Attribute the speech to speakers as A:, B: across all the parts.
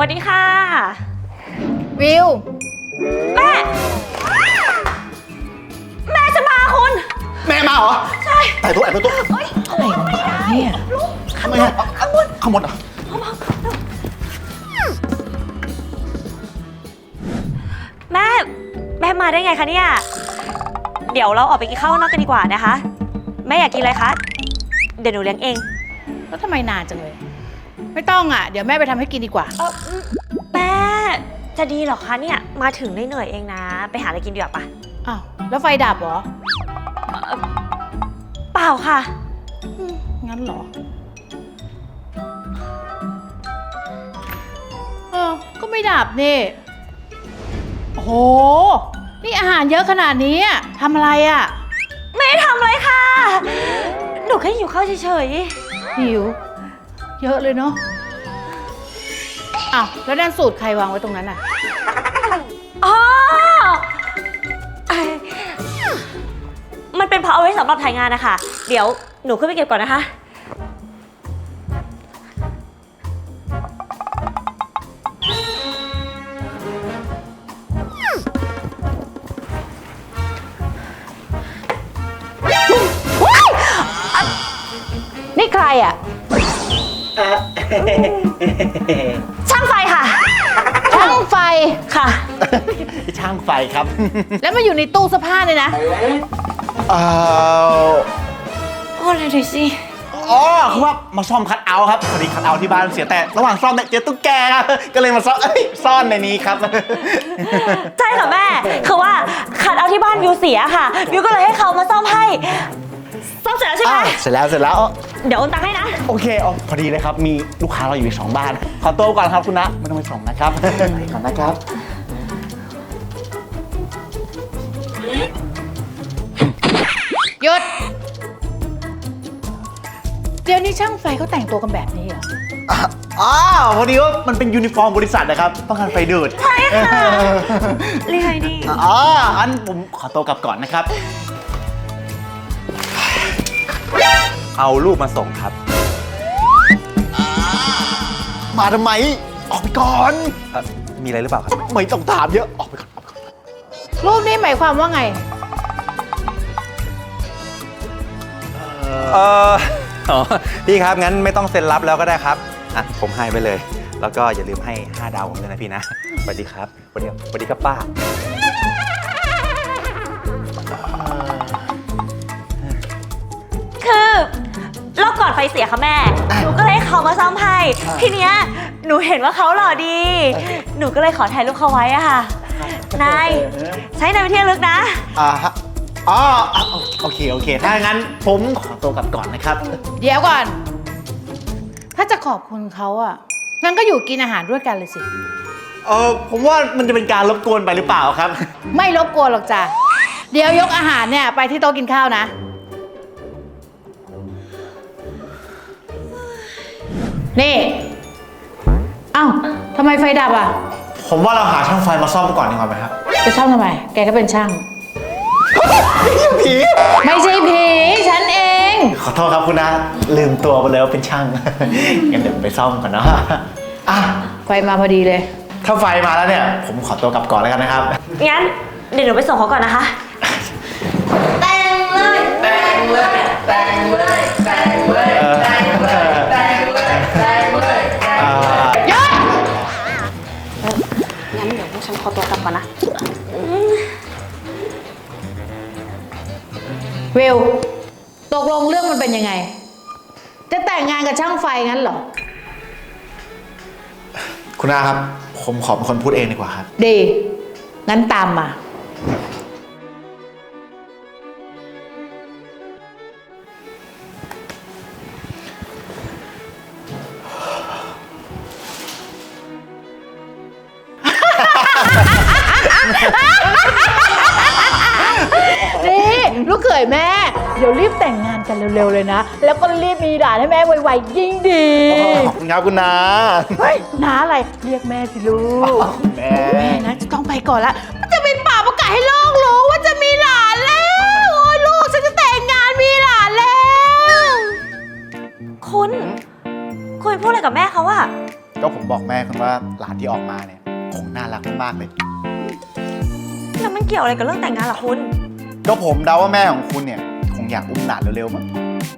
A: วัสดีค่ะ
B: วิว
A: แม่จะมาคุณ
C: แม่มาเหรอ
A: ใช่
C: แต่ตัวแอบตัว
B: อะไรของเขาเนี่ย
C: ทำไมข้างบนเหรอ
A: แม่มาได้ไงคะเนี่ยเดี๋ยวเราออกไปกินข้าวนอกกันดีกว่านะคะแม่อยากกินอะไรคะเดี๋ยวหนูเลี้ยงเอง
B: แล้วทำไมนานจังเลยไม่ต้องอ่ะเดี๋ยวแม่ไปทำให้กินดีกว่า
A: แม่จะดีเหรอคะเนี่ยมาถึงเหนื่อยเองนะไปหาอะไรกินดีกว่าปะ
B: อ้าวแล้วไฟดับเหรอ
A: เปล่าค่ะ
B: งั้นเหรอก็ไม่ดับนี่โอ้โหนี่อาหารเยอะขนาดนี้ทำอะไรอ่ะ
A: ไม่ได้ทำอะไรค่ะหนูแค่หิวข้าวเฉย
B: ๆหิวเยอะเลยเนาะอ้าวแล้วนั่นสูตรใครวางไว้ตรงนั้นอ่ะ
A: อ๋อมันเป็นเพราะเอาไว้สำหรับถ่ายงานนะคะเดี๋ยวหนูขึ้นไปเก็บก่อนนะคะ
B: นี่ใครอ่ะ
A: ช่างไฟค่ะ
B: ช่างไฟ
A: ค่ะ
C: ช่างไฟครับ
B: แล้วมาอยู่ในตู้เสื้อผ้าเลยนะ
A: อะไรดูสิ
C: อ๋อคือว่ามาซ่อมคัทเอาท์ครับพอดีคัทเอาท์ที่บ้านเสียแต่ระหว่างซ่อมเนี่ยเจอตุ๊กแกครับก็เลยมาซ่อนในนี้ครับ
A: ใช่ค่ะแม่คือว่าคัทเอาท์ที่บ้านวิวเสียค่ะวิวก็เลยให้เขามาซ่อมให้ซ่อมเสร็จแล้วใช่ไหม
C: เสร็จแล้ว
A: เดี๋ยวโอนตังค์ให้นะ
C: โอเคพอดีเลยครับมีลูกค้าเราอยู่ใน2บ้านขอตัวก่อนครับคุณนะไม่ต้องไปส่งนะครับไปก่อนนะครับ
B: หยุดเดี๋ยวนี้ช่างไฟเขาแต่งตัวกันแบบนี้เหรอ
C: พอดีว่ามันเป็นยูนิฟอร์มบริษัทนะครับป้องกันไฟดูด
A: ใช่ค่ะเรียกไงดี
C: อันผมขอตัวกลับก่อนนะครับ
D: เอาลูกมาส่งครับ
C: มาทำไมออกไปก่อน
D: มีอะไรหรือเปล่าครับ
C: ไม่ต้องถามเยอะออกไปก่อน
B: รูปนี้หมายความว่าไง
D: พี่ครับงั้นไม่ต้องเซ็นรับแล้วก็ได้ครับผมให้ไปเลยแล้วก็อย่าลืมให้5 ดาวผมด้วยนะพี่นะสวัสดีครับสวัสดีครับป้า
A: คือรอบก่อนไฟเสียค่ะแม่หนูก็เลยเขามาซ่อมให้ทีเนี้ยหนูเห็นว่าเขาหล่อดีหนูก็เลยขอถ่ายรูปเขาไว้อะค่ะนายใช้นายไปเที่ยวลึกนะ
C: โอเคถ้างั้นผมขอตัวกลับก่อนนะครับ
B: เดี๋ยวก่อนถ้าจะขอบคุณเขางั้นก็อยู่กินอาหารด้วยกันเลยสิ
C: ผมว่ามันจะเป็นการรบกวนไปหรือเปล่าครับ
B: ไม่รบกวนหรอกจ้ะเดี๋ยวยกอาหารเนี่ยไปที่โต๊ะกินข้าวนะนี่ทำไมไฟดับ
C: ผมว่าเราหาช่างไฟมาซ่อมก่อนดีกว่าไหมครับ
B: จะซ่อมทำไมแกก็เป็นช่าง
C: ผี
B: ไม่ใช่ผีฉันเอง
C: ขอโทษครับคุณนะลืมตัวไปเลยว่าเป็นช่างงั้นเดี๋ยวไปซ่อมก่อนเนาะ
B: ไฟมาพอดีเลย
C: ถ้าไฟมาแล้วเนี่ยผมขอตัวกลับก่อนแล้วกันนะครับ
A: งั้นเดี๋ยวหนูไปส่งเขาก่อนนะคะแต่งเลย
B: หยุด
A: งั้นเดี๋ยวพวกฉันขอตัวกลับก่อนนะ
B: วิวตกลงเรื่องมันเป็นยังไงจะแต่งงานกับช่างไฟงั้นเหรอ
C: คุณอาครับผมขอเป็นคนพูดเองดีกว่าครับ
B: ดีงั้นตามมานี่ลูกเขยแม่เดี๋ยวรีบแต่งงานกันเร็วๆเลยนะแล้วก็รีบมีหลานให้แม่ไวๆยิ่งดี
C: ขอบคุณครับคุณนา
B: เฮ้ยน้าอะไรเรียกแม่สิลูกแม่นะจะต้องไปก่อนละมันจะเป็นป่าประกาศให้โลกรู้ว่าจะมีหลานแล้วโอ้ยลูกฉันจะแต่งงานมีหลานแล้ว
A: คุณพูดอะไรกับแม่เขา
C: ก็ผมบอกแม่คุณว่าหลานที่ออกมาเนี่ยคงน่ารักมากๆเลย
A: แล้วมันเกี่ยวอะไรกับเรื่องแต่งงานล่ะคุณ
C: ก็ผมเดาว่าแม่ของคุณเนี่ยคงอยากอุ้มหลานเร็วๆมั้ง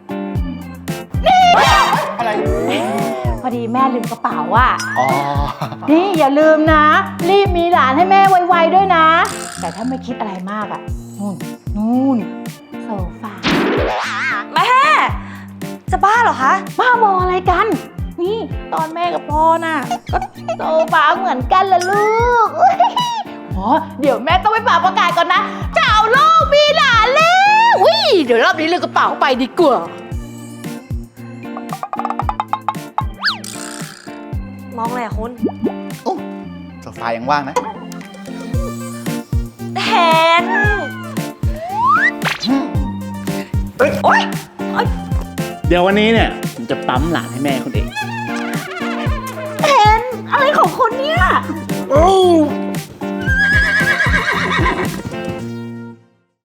C: อะไร
B: พอดีแม่ลืมกระเป๋าอ่ะ
C: อ๋อ
B: นี่อย่าลืมนะ รีบมีหลานให้แม่ไวๆด้วยนะ แต่ถ้าไม่คิดอะไรมากอ่ะนู่นโซฟา
A: แม่ จะบ้าเหรอคะ
B: บ้าบออะไรกัน นี่ตอนแม่กับพ่อน่ะก็โซฟาเหมือนกันละลูกอุ๊ยอ๋อเดี๋ยวแม่ต้องไปเป่าประกาศก่อนนะเจ้าโลกมีหลานแล้วอุ้ยเดี๋ยวรอบนี้ลืมกระเป๋าไปดีกว่า
A: มองอะไรอะคุณ
C: โอ้โซฟายังว่างนะ
A: แทนโอ๊ย
C: เดี๋ยววันนี้เนี่ยผมจะปั๊มหลานให้แม่คุณเอง
A: แทนอะไรของคุณเนี่ย
C: โอ้